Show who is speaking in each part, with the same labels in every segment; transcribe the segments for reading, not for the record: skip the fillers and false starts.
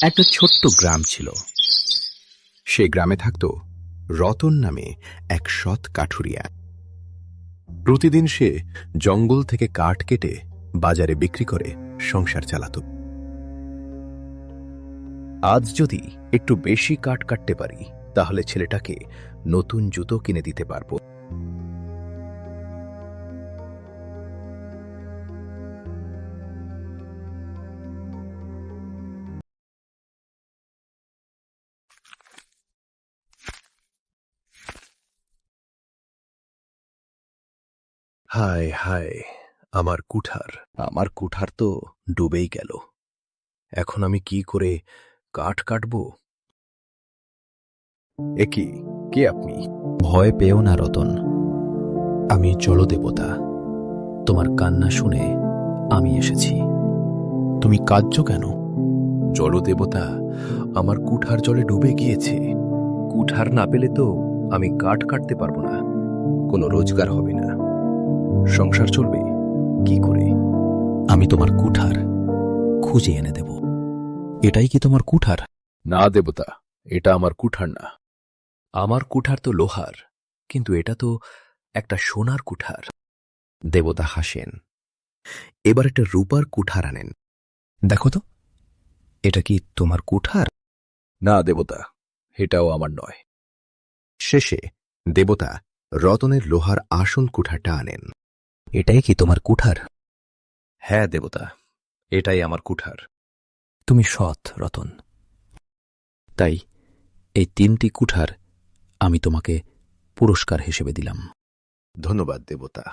Speaker 1: একটা ছোট্ট গ্রাম ছিল। সে গ্রামে থাকত রতন নামে এক সৎ কাঠুরিয়া। প্রতিদিন সে জঙ্গল থেকে কাঠ কেটে বাজারে বিক্রি করে সংসার চালাত। আজ যদি একটু বেশি কাঠ কাটতে পারি তাহলে ছেলেটাকে নতুন জুতো কিনে দিতে পারব। হায় হায়, আমার কুঠার তো ডুবেই গেল। এখন আমি কি করে কাঠ কাটব? একি, কে আপনি?
Speaker 2: ভয় পেও না রতন, আমি জলদেবতা। তোমার কান্না শুনে আমি এসেছি। তুমি কাঁদছো কেন?
Speaker 1: জলদেবতা, আমার কুঠার জলে ডুবে গিয়েছে। কুঠার না পেলে তো আমি কাঠ কাটতে পারবো না, কোনো রোজগার হবে না, সংসার চলবে কি করে?
Speaker 2: আমি তোমার কুঠার খুঁজে এনে দেব। এটাই কি তোমার কুঠার?
Speaker 1: না দেবতা, এটা আমার কুঠার না। আমার কুঠার তো লোহার, কিন্তু এটা তো একটা সোনার কুঠার। দেবতা হাসেন। এবার একটা রূপার কুঠার আনেন।
Speaker 2: দেখো তো, এটা কি তোমার কুঠার?
Speaker 1: না দেবতা, এটাও আমার নয়। শেষে দেবতা রতনের লোহার আসল কুঠারটা আনেন।
Speaker 2: এটাই কি তোমার কুঠার?
Speaker 1: হ্যাঁ দেবতা, এটাই আমার কুঠার।
Speaker 2: তুমি সৎ রতন, তাই এই 3টি কুঠার আমি তোমাকে পুরস্কার হিসেবে দিলাম।
Speaker 1: ধন্যবাদ দেবতা।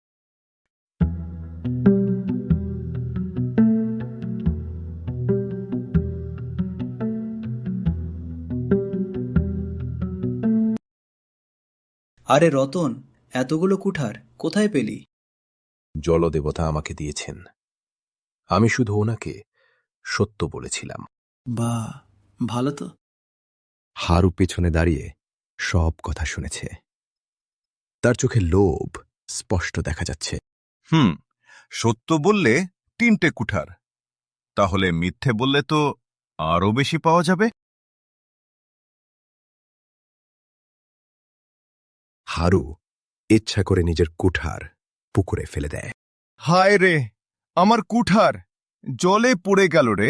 Speaker 3: আরে রতন, এতগুলো কুঠার কোথায় পেলি?
Speaker 1: জলদেবতা আমাকে দিয়েছেন। আমি শুধু ওনাকে সত্য বলেছিলাম।
Speaker 3: বাহ, ভালো তো।
Speaker 1: হারু পেছনে দাঁড়িয়ে সব কথা শুনেছে। তার চোখে লোভ স্পষ্ট দেখা যাচ্ছে।
Speaker 4: সত্য বললে 3টে কুঠার, তাহলে মিথ্যে বললে তো আরো বেশি পাওয়া যাবে।
Speaker 1: হারু ইচ্ছা করে নিজের কুঠার পুকুরে ফেলে দেয়।
Speaker 4: হায় রে, আমার কুঠার জলে পড়ে গেল রে।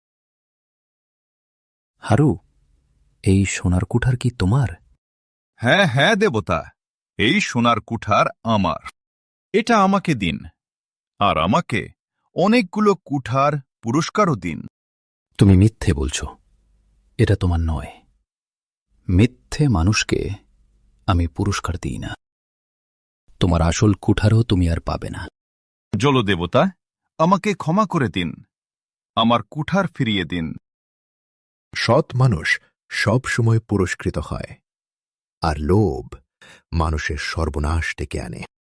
Speaker 2: হারু, এই সোনার কুঠার কি তোমার?
Speaker 4: হ্যাঁ হ্যাঁ দেবতা, এই সোনার কুঠার আমার। এটা আমাকে দিন, আর আমাকে অনেকগুলো কুঠার পুরস্কারও দিন।
Speaker 2: তুমি মিথ্যে বলছো, এটা তোমার নয়। মিথ্যে মানুষকে আমি পুরস্কার দিই না। তোমার আসল কুঠারও তুমি আর পাবে না।
Speaker 4: জলদেবতা, আমাকে ক্ষমা করে দিন, আমার কুঠার ফিরিয়ে দিন।
Speaker 1: সৎ মানুষ সব সময় পুরস্কৃত হয়, আর লোভ মানুষের সর্বনাশ ডেকে আনে।